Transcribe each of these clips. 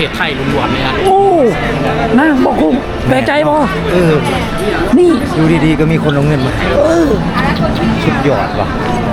ศไทยล้วนๆเลยครับโอ้นะบอกคุ้มแปลกใจบ่นี่ดูดีๆก็มีคนเอาเงินมาสุดยอดว่ะ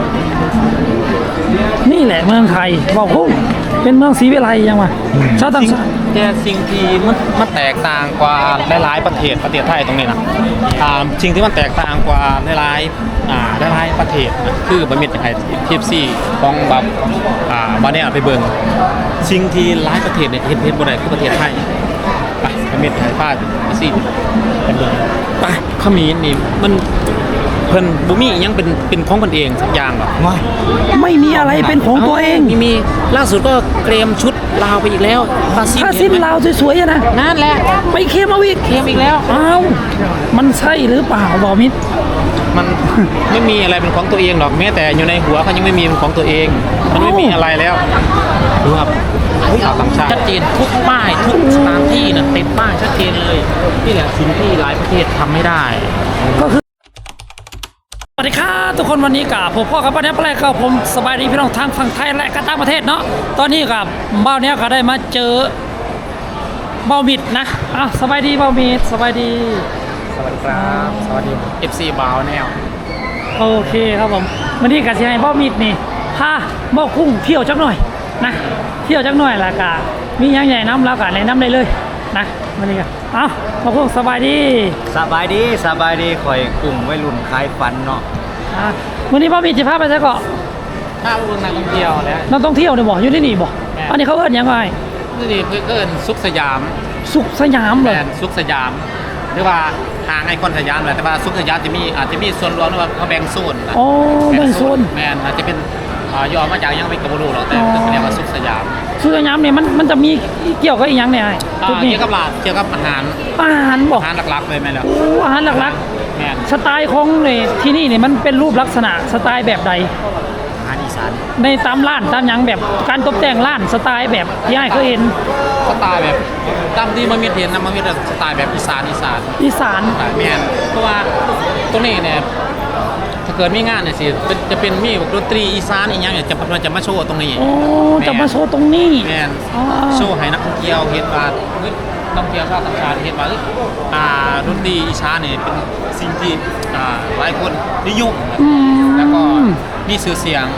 นี่แหละเมืองไทยบอกคุ้มเป็นเมืองศรีวิไลยังวะชาวต่างชาติแต่สิ่งที่มันแตกต่างกว่าหลายๆประเทศไทยตรงนี้นะสิ่งที่มันแตกต่างกว่าหลายประเทศนะคือบะหมี่ไทยทีฟซี่ของแบบบาเนี่ยไปเบิ่งสิ่งที่หลายประเทศเนี่ยเห็นบ่ได้คือประเทศไทยไปบะหมี่ไทยพาซี่ไปเบิ่งไปขมิ้นนี่มันเพิ่นบ่มียังเป็นของเพิ่นเองสักอย่างหรอกไม่มีอะไรเป็นของตัวเองมีล่าสุดก็เกรมชุดลาวไปอีกแล้วผ้าสิ้นลาวสวยๆนะนั่นแหละไปเคมเอาอีกแล้วอ้าวมันใช่หรือเปล่าบอมิดมันไม่มีอะไรเป็นของตัวเองหรอกแม้แต่อยู่ในหัวเขายังไม่มีเป็นของตัวเองมันไม่มีอะไรแล้วดูครับชาวต่างชาติชัดเจนทุกป้ายทุกสถานที่นะติดป้ายชัดเจนเลยนี่แหละสิ่งที่หลายประเทศทำไม่ได้ก็คือสวัสดีครับทุกคนวันนี้กับผมพ่อกับป้าเนี้ยแปลกผมสบายดีพี่น้องทางฝั่งไทยและก็ต่างประเทศเนาะตอนนี้กับเบ้าเนี้ยก็ได้มาเจอเบ้ามิดนะสบายดีเบ้ามิดสบายดีสวัสดีครับสวัสดี FC บาวแนวโอเคครับผมวันนี้กับเชียร์เบ้ามิดนี่พาเบ้ากุ้งเที่ยวจักหน่อยนะเที่ยวจักหน่อยละกะมีอย่างใหญ่น้ำแล้วกะในน้ำได้เลยนะวันนี้กันเบ้ากุ้งสบายดีสบายดีข่อยกลุ่มวัยรุ่นคลายฟันเนาะวันนี้เบ้ามิดจะพาไปใช่เกาะถ้าเมืองนักท่องเที่ยวแล้วนักท่องเที่ยวเนี่ยบอกอยู่ที่นี่บอกอันนี้เขาเอิ้นยังไงนี่เพื่อนสุขสยามเลยสุขสยามหรือว่าทางไอคอนสยามแหละแต่ว่าสุขสยามอาจจะมีส่วนรวมหรือว่าเขาแบ่งโซนแบ่งโซนแมนอาจจะเป็นย่อมาจากยังไม่กระบูหรอกแต่เรียกว่าสุขสยามเนี่ยมันจะมีเกี่ยวกับอีกอย่างเนี่ยเกี่ยวกับเกี่ยวกับอาหารบอกอาหารหลักๆเลยไหมล่ะอาหารหลักๆแมนสไตล์ของที่นี่เนี่ยมันเป็นรูปลักษณะสไตล์แบบใดอาหารอีสานในตามร้านตามยังแบบการตกแต่งร้านสไตล์แบบที่ให้เคยเห็นสไตล์แบบตามที่มันมีเห็นนะมันมีสไตล์แบบอีสานแมนเพราะว่าตรงนี้เนี่ยถ้าเกิดมีงานเนี่ยสิจะเป็นมีดนตรีอีสานอีกอย่างเนี่ยจะมาโชว์ตรงนี้จะมาโชว์ตรงนี้แมนโชว์ให้นักท่องเที่ยวเห็นว่าท่องเที่ยวชาวต่างชาติเห็นว่าดนตรีอีสานเนี่ยเป็นสิ่งที่หลายคนนิยมแล้วก็มีชื่อเสียง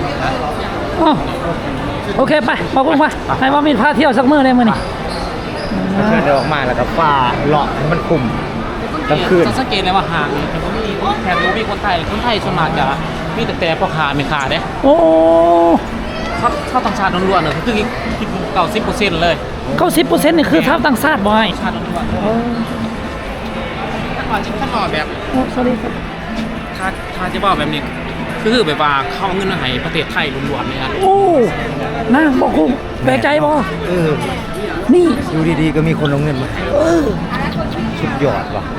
โอเคไปขอบคุณค่ะให้ว่ามีพาเที่ยวสักมื้อได้มื้อนี่เดินออกมาแล้วก็ฟ้าเลาะมันคุมกลางคืนสังเกตเลยว่าห่างแถบรู้มีคนไทยส่วนมากจะมีแต่พ่อค้าไม่ขาดเนี่ยชาวต่างชาติล้วนๆเลยคือ90%เลย 90%นี่คือชาวต่างชาติบ่อยชาติล้วนๆถ้าแบบสวัสดีครับถ้าจะบอกแบบนี้คือแบบว่าเข้าเงินให้ประเทศไทยล้วนๆเลยครับนะบอกคุ้มแปลกใจบ่นี่ดูดีๆก็มีคนเอาเงินมาสุดยอดว่ะ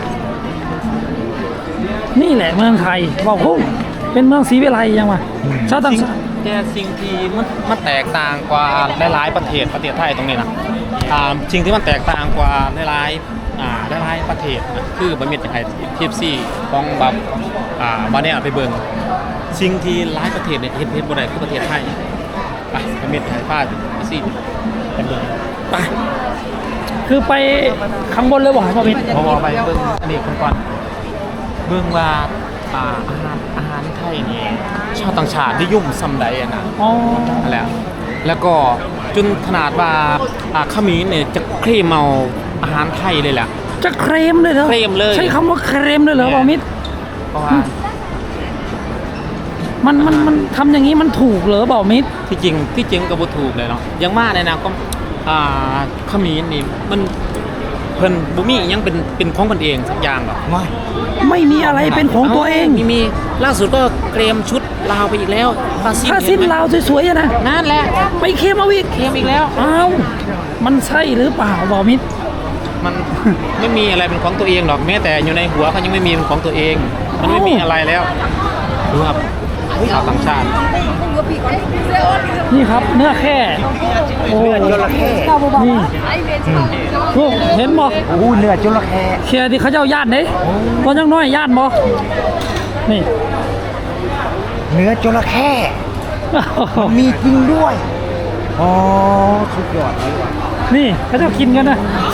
นี่แหละเมืองไทยบอกคุ้มเป็นเมืองศรีวิไลยังวะชาวต่างชาติแต่สิ่งที่มันแตกต่างกว่าหลายๆประเทศไทยตรงนี้นะสิ่งที่มันแตกต่างกว่าหลายประเทศนะคือบะหมี่ไทยทีฟซี่ของแบบบาเนี่ยไปเบิ่งสิ่งที่หลายประเทศเนี่ยเห็นบ่ได้คือประเทศไทยไปบะหมี่ไทยพาซี่ไปเบิ่งไปคือไปข้างบนเลยบอกให้พ่อมิตรพอไปเบิ่งอันนี้ก่อนเบิ่งว่าอาหารไทยนี่ชาวต่างชาตินิยมซ้ำใดนะนั่นแหละแล้วก็จนขนาดว่าขมิ้นเนี่ยจะเคลมเอาอาหารไทยเลยแหละจะเคลมเลยเหรอเคลมเลยใช้คำว่าเคลมเลยเหรอพ่อมิตรเพราะว่ามันทำอย่างนี้มันถูกเหรอบ่าวมิตรที่จริงก็บ่ถูกเลยเนาะยังว่าในนะก็ขมิ้นนี่มันเพิ่นบ่มียังเป็นของเพิ่นเองสักอย่างหรอกไม่มีอะไรเป็นของตัวเองมีล่าสุดก็เกรมชุดลาวไปอีกแล้วผ้าสิ้นลาวสวยๆนะนั่นแหละไปเคมเอาอีกแล้วมันใช่หรือเปล่าบ่าวมิตรมันไม่มีอะไรเป็นของตัวเองหรอกแม้แต่อยู่ในหัวเขายังไม่มีเป็นของตัวเองมันไม่มีอะไรแล้วดูครับชาวต่างชาตินี่ครับเนื้อแค่เนื้อจระเข้นี่เห็นบ่เนื้อจระเข้เชียร์ที่เขาเจ้าญาติเนี่ยตอนยังน้อยญาติบ่นี่เนื้อจระเข้มีจริงด้วยสุดยอดเลยว่ะนี่เขาจะกินกันนะ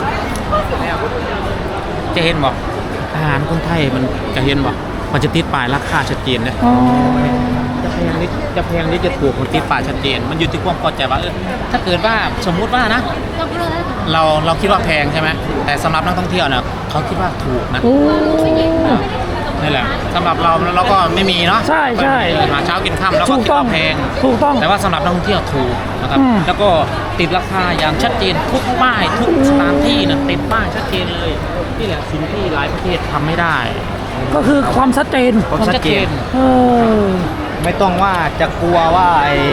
จะเห็นบ่อาหารคนไทยมันจะเห็นบ่มันจะติดป้ายราคาชัดเจนนะอ๋อจะแพงนิดจะถูกมันติดป้ายชัดเจน มันอยู่ที่ความพอใจว่าถ้าเกิดว่าสมมุติว่านะ เราคิดว่าแพงใช่ไหมแต่สำหรับนักท่องเที่ยวเนี่ยเขาคิดว่าถูกนะโอ้นี่แหละสำหรับเราก็ไม่มีเนาะใช่ใช่หาเช้ากินค่ำแล้วก็ถูกคิดต้องว่าแพงถูกต้องแต่ว่าสำหรับนักท่องเที่ยวถูกนะครับอืมแล้วก็ติดราคาอย่างชัดเจนทุกป้ายทุกสถานที่นะติดป้ายชัดเจนเลยนี่แหละสิ่งที่หลายประเทศทำไม่ได้ก็คือความชัดเจนความชัดเจนเออไม่ต้องว่าจะกลัวว่าไอ้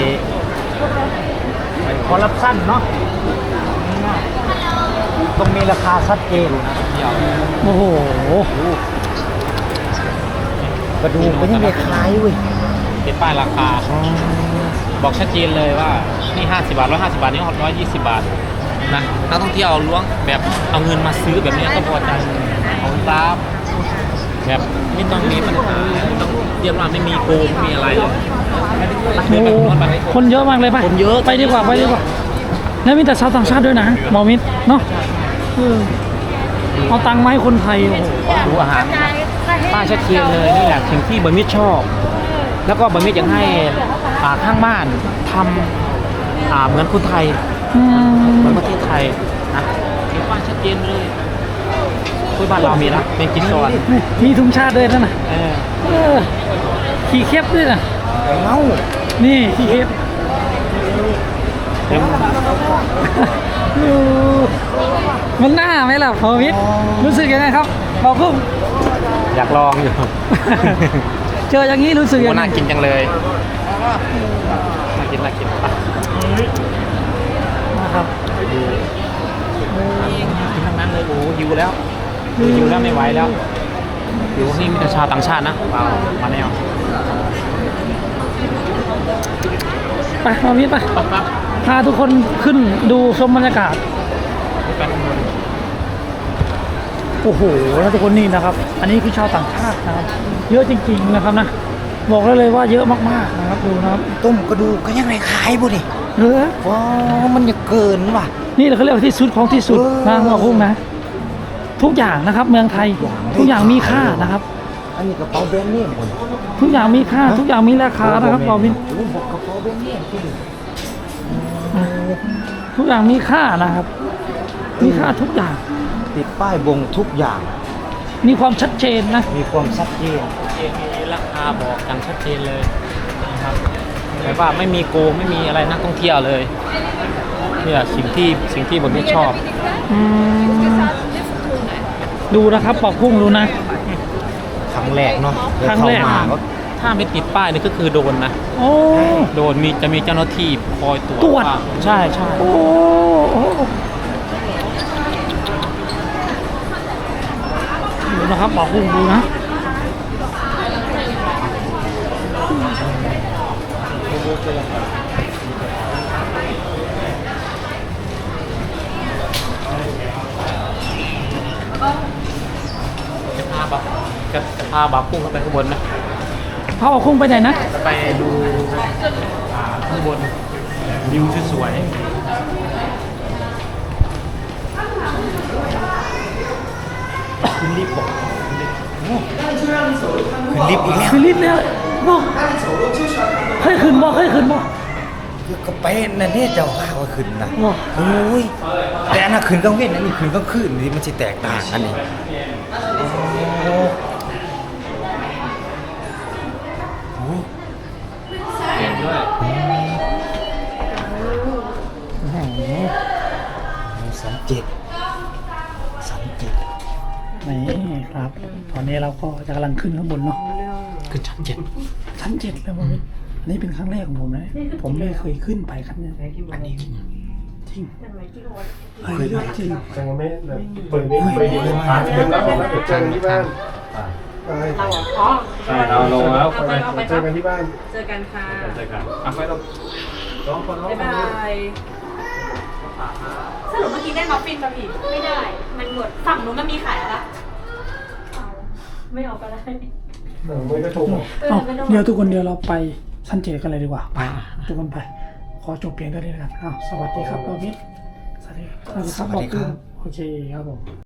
คอร์รัปชันเนาะต้องมีราคาชัดเจนโอ้โหกระดูกไม่ใช่ไม่คล้ายเว้ยติดป้ายราคาบอกชัดเจนเลยว่านี่50 บาท150 บาทนี่120 บาทนะนักท่องเที่ยวล้วงแบบเอาเงินมาซื้อแบบนี้ก็พอใจของตามแบบไม่ต้องมีปัญหาไม่ต้องเรียกว่าไม่มีโกงไม่มีอะไรเลยโอ้โหคนเยอะมากเลยป่ะคนเยอะไปดีกว่าไปดีกว่า แล้วมีแต่ชาวต่างชาติด้วยนะหมอมิตรเนาะเออเอาตังค์มาให้คนไทยโอ้โหดูอาหารป้ายชัดเจนเลยนี่แหละสิ่งที่บะมิดชอบ แล้วก็บะมิดยังให้ข้างบ้านทำเหมือนคนไทยอืมเหมือนประเทศไทยนะมีป้ายชัดเจนเลยคุยบ้านเรามีนะเป็นกินซอนนี่มีธงชาติด้วยนั่นน่ะเออเออขี่เคปด้วยนะเอ้านี่ขี่เคปเต็มเออมันน่าไหมล่ะหมอมิตรรู้สึกยังไงครับบอกพุ่งอยากลองอยู่เจออย่างนี้รู้สึกโอ้ยังไงน่ากินจังเลยน่ากินไปนะครับกินทั้งนั้นเลยโอ้หิวแล้วหิวแล้วไม่ไหวแล้วหิวนี่มีแต่ชาวต่างชาตินะเปล่ามาแนวไปหมอมิตรไปปั๊บพาทุกคนขึ้นดูชมบรรยากาศกันโอ้โหแล้วทุกคนนี่นะครับ อันนี้คือชาวต่างชาตินะครับ เยอะจริงๆนะครับนะ บอกได้เลยว่าเยอะมากๆนะครับดูนะครับต้มกระดูกก็ยังไงขายบ่ดิเออว้าวมันจะเกินว่ะนี่เขาเรียกว่าที่สุดของที่สุดนะหมอพุ่งนะ ทุกอย่างนะครับ เมืองไทย ทุกอย่างมีค่านะครับอันนี้กระเป๋าแบรนด์เนมหมดทุกอย่างมีค่า ทุกอย่างมีราคานะครับบอวินโอ้บอกกระเป๋าแบรนด์เนมที่ทุกอย่างมีค่านะครับ มีค่าทุกอย่างติดป้ายบ่งทุกอย่างมีความชัดเจนนะมีความชัดเจนมีราคาบอกอย่างชัดเจนเลยนะครับแต่ว่าไม่มีโกงไม่มีอะไรนักท่องเที่ยวเลยนี่แหละสิ่งที่ผมไม่ชอบอืมดูนะครับปอกพุ่งดูนะครั้งแรกเนาะครั้งแรกเข้ามาก็ถ้าไม่ติดป้ายนี่ก็คือโดนนะโอ้โดนจะมีเจ้าหน้าที่คอยตรวจตรวจาใช่ใช่โอ้ดูนะครับปอกพุ่งดูนะจะพาบักพุ่งเข้าไปข้างบนไหมพาปอกพุ่งไปไหนนะไปดูข้างบนวิวสวยขึ้นรีบบอกขึ้นลิฟต์อีกแล้วคือลิฟต์เนี่ยบอกเคยขึ้นบ่เคยขึ้นบ่คือก็ไปนั่นนี่เจ้าข้าวก็ขึ้นนะบ่โอ้ยแต่อันนั้นขึ้นกลางเว้นอันนี้ขึ้นกลางคืนนี่มันจะแตกต่างกันนี่โอ้โหเห็นด้วย 37 นี่ครับ ตอนนี้เราก็จะกำลังขึ้นข้างบนเนาะขึ้นชั้น7 ชั้น7แล้วมั้งอันนี้เป็นครั้งแรกของผมนะ ผมไม่เคยขึ้นไปครับเนี่ยอันนี้จริงเคยจริงยังไม่แบบเปิดผ่านเดือนแล้วแล้วเจอกันที่บ้านใช่เราลงแล้วเจอกันที่บ้านเจอกันค่ะเจอกันอ่ะไปลงสองคนบ๊ายบายสรุปเมื่อกี้ได้มัฟฟินป่ะพี่ไม่ได้ มันหมดฝั่งนู้นมันมีขายแล้วปะเอาไม่เอาก็ได้ไม่ก็ถูกเอาเดี๋ยวทุกคนเดี๋ยวเราไปชั้น7กันเลยดีกว่า ไปทุกคนไป ขอจบเพียงเท่านี้นะครับอ้าวสวัสดีครับเรามิตรสสวัสดีครับสวัสดีครับโอเคครับผม